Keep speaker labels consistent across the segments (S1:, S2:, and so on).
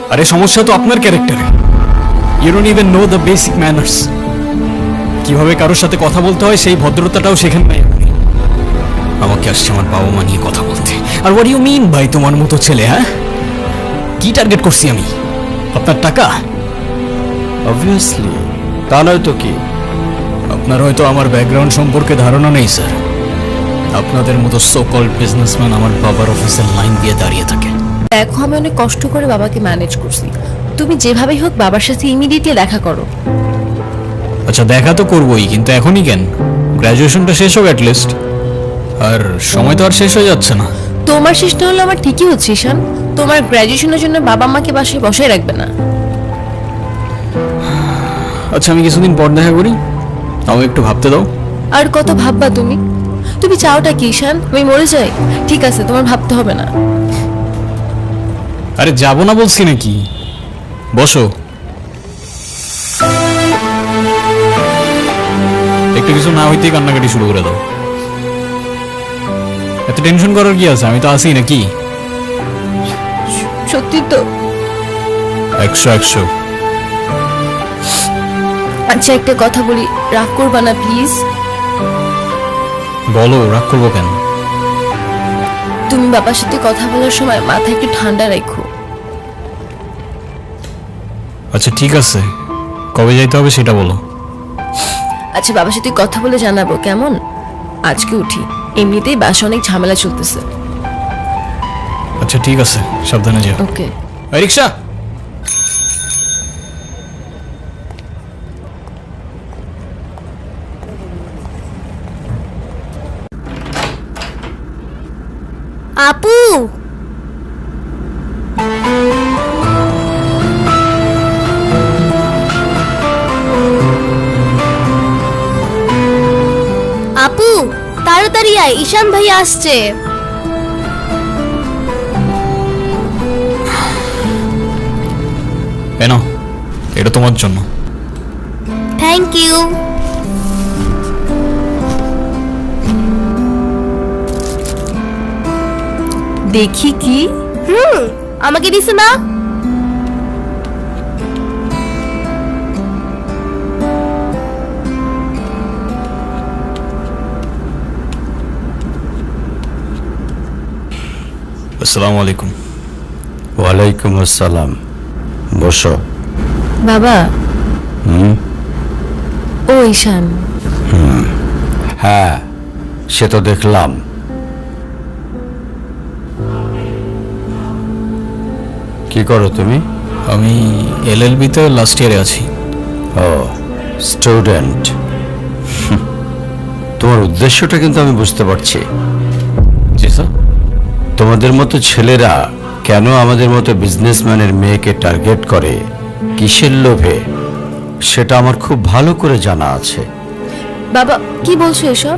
S1: আরে সমস্যা তো আপনার ক্যারেক্টারে। You don't even know the basic manners. কিভাবে কারোর সাথে কথা বলতে হয় সেই ভদ্রতাটাও শেখেন নাই আপনি। আমাকে আসছে আমার বাবা মা নিয়ে কথা বলতে। আর হোয়াট ইউ মিন ভাই তোমার মতো ছেলে? হ্যাঁ, কি টার্গেট করছি আমি? আপনার টাকা?
S2: অবভিয়াসলি, তা নয় তো কি?
S1: আপনার হয়তো আমার ব্যাকগ্রাউন্ড সম্পর্কে ধারণা নেই স্যার। আপনাদের মতো সো কল্ড বিজনেসম্যান আমার বাবার অফিসের লাইন দিয়ে দাঁড়িয়ে থাকে।
S3: দেখো, আমি অনেক কষ্ট করে বাবাকে ম্যানেজ করছি। তুমি যেভাবেই হোক বাবার সাথে ইমিডিয়েটলি দেখা করো।
S1: আচ্ছা, দেখা তো করবোই, কিন্তু এখনই কেন? গ্র্যাজুয়েশনটা শেষ হোক অ্যাটলিস্ট। আর সময় তো আর শেষ হয়ে যাচ্ছে না।
S3: তোমার শেষ না হলে আমার ঠিকই হচ্ছে ঈশান। তোমার গ্র্যাজুয়েশনের জন্য বাবা মাকে বাসায় বসায় রাখবে না।
S1: আচ্ছা, আমি কিছুদিন পর দেখা করি, তাও একটু ভাবতে দাও।
S3: আর কত ভাববা তুমি? তুমি চাওটা কি ঈশান? আমি মরে যাই? ঠিক আছে, তোমার ভাবতে হবে না।
S1: আরে যাবো না বলছি নাকি? বসো, একটু কিছু না হইতেই কান্নাকাটি শুরু করে দাও। এত টেনশন করার কি আছে? আমি তো আছি নাকি?
S3: সত্যি তো?
S1: 100
S3: আচ্ছা, একটা কথা বলি, রাগ করবা না প্লিজ?
S1: বলো, রাগ করবো কেন?
S3: তুমি বাবার সাথে কথা বলার সময় মাথা একটু ঠান্ডা রাখো।
S1: আচ্ছা ঠিক আছে, কবে যাইতে হবে সেটা বলো।
S3: আচ্ছা, বাবার সাথে কথা বলে জানাবো, কেমন? আজকে উঠি, এমনিতেই বাসা অনেক ঝামেলা চলতেছে।
S1: আচ্ছা ঠিক আছে, সাবধানে যাও।
S3: ওকে।
S1: এই রিক্সা!
S4: আপু, আপু তাড়াতাড়ি আয়, ঈশান ভাই আসছে।
S1: কেন? এটা তোমার জন্য।
S4: Thank you.
S3: দেখি কি?
S4: আমাকে দিছে না?
S1: আসসালামু আলাইকুম।
S2: ওয়ালাইকুম আসসালাম। বসো।
S3: বাবা। ও ঈশান।
S2: হ্যাঁ, সে তো দেখলাম। কি করো তুমি?
S1: আমি LLB তে লাস্ট ইয়ারে আছি।
S2: ও, স্টুডেন্ট। তোমার উদ্দেশ্যটা কিন্তু আমি বুঝতে পারছি।
S1: জি স্যার।
S2: তোমাদের মতো ছেলেরা কেন আমাদের মতো বিজনেসম্যানের মেয়েকে টার্গেট করে, কিসের লোভে, সেটা আমার খুব ভালো করে জানা আছে।
S3: বাবা, কি বলছো এসব?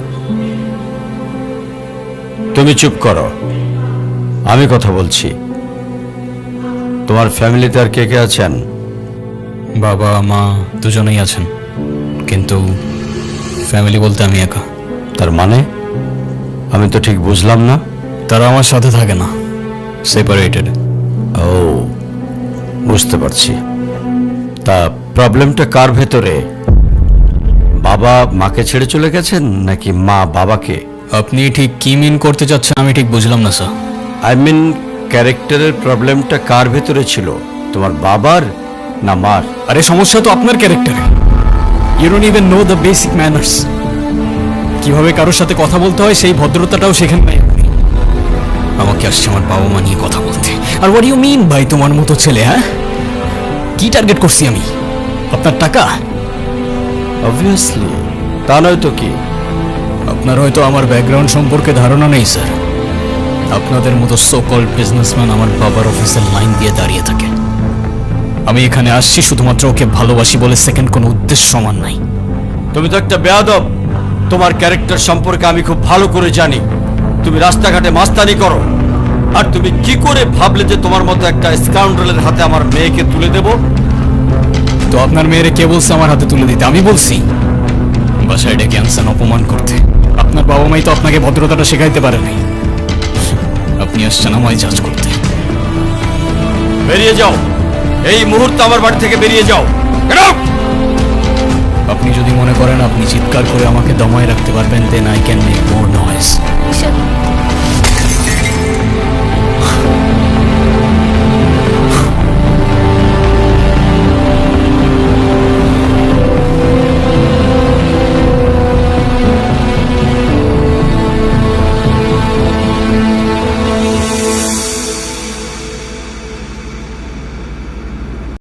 S2: তুমি চুপ করো, আমি কথা বলছি। তোমার ফ্যামিলিতে আর কে কে আছেন?
S1: বাবা মা দুজনেই আছেন, কিন্তু ফ্যামিলি বলতে আমি একা।
S2: তার মানে আমি তো ঠিক বুঝলাম না।
S1: তারা আমার সাথে থাকে না, সেপারেটেড।
S2: ও, বুঝতে পারছি। তা প্রবলেমটা কার ভেতরে? বাবা মাকে ছেড়ে চলে গেছেন নাকি মা বাবাকে?
S1: আপনি ঠিক কি মিন করতে চাচ্ছেন আমি ঠিক বুঝলাম না স্যার।
S2: আই মিন, ক্যারেক্টারের প্রবলেমটা কার ভেতরে ছিল, তোমার বাবার না মার?
S1: আরে সমস্যা তো আপনার ক্যারেক্টারে। You don't even know the basic manners. কিভাবে কারোর সাথে কথা বলতে হয় সেই ভদ্রতাটাও শেখেন নাই আপনি। আমাকে আসছে আমার বাবা মা নিয়ে কথা বলতে। আর হোয়াট ইউ মিন ভাই তোমার মতো ছেলে? হ্যাঁ, কি টার্গেট করছি আমি? আপনার টাকা?
S2: অবভিয়াসলি, তা নয় তো কি?
S1: আপনার হয়তো আমার ব্যাকগ্রাউন্ড সম্পর্কে ধারণা নেই স্যার। আপনাদের মতো সো কল্ড বিজনেসম্যান আমার বাবার অফিসের লাইন দিয়ে দাঁড়িয়ে থাকে। আমি এখানে আসছি শুধুমাত্র ওকে ভালোবাসি বলে, সেকেন্ড কোনো উদ্দেশ্য সমান নাই।
S2: তুমি তো একটা বেয়াদব। তোমার ক্যারেক্টার সম্পর্কে আমি খুব ভালো করে জানি। তুমি রাস্তাঘাটে মাস্তানি করো, আর তুমি কি করে ভাবলে যে তোমার মতো একটা স্কাউন্ডারের হাতে আমার মেয়েকে তুলে দেব?
S1: তো আপনার মেয়েরে কে বলছে আমার হাতে তুলে দিতে? আমি বলছি। বাসায় ডেকে আনছেন অপমান করতে। আপনার বাবা মাই তো আপনাকে ভদ্রতাটা শেখাইতে পারে নাই। আপনি আসছেন আমায় জাজ করতে।
S2: বেরিয়ে যাও, এই মুহূর্তে আমার বাড়ি থেকে বেরিয়ে যাও। Get out!
S1: আপনি যদি মনে করেন আপনি চিৎকার করে আমাকে দমায় রাখতে পারবেন then I can make more noise.
S3: Ishan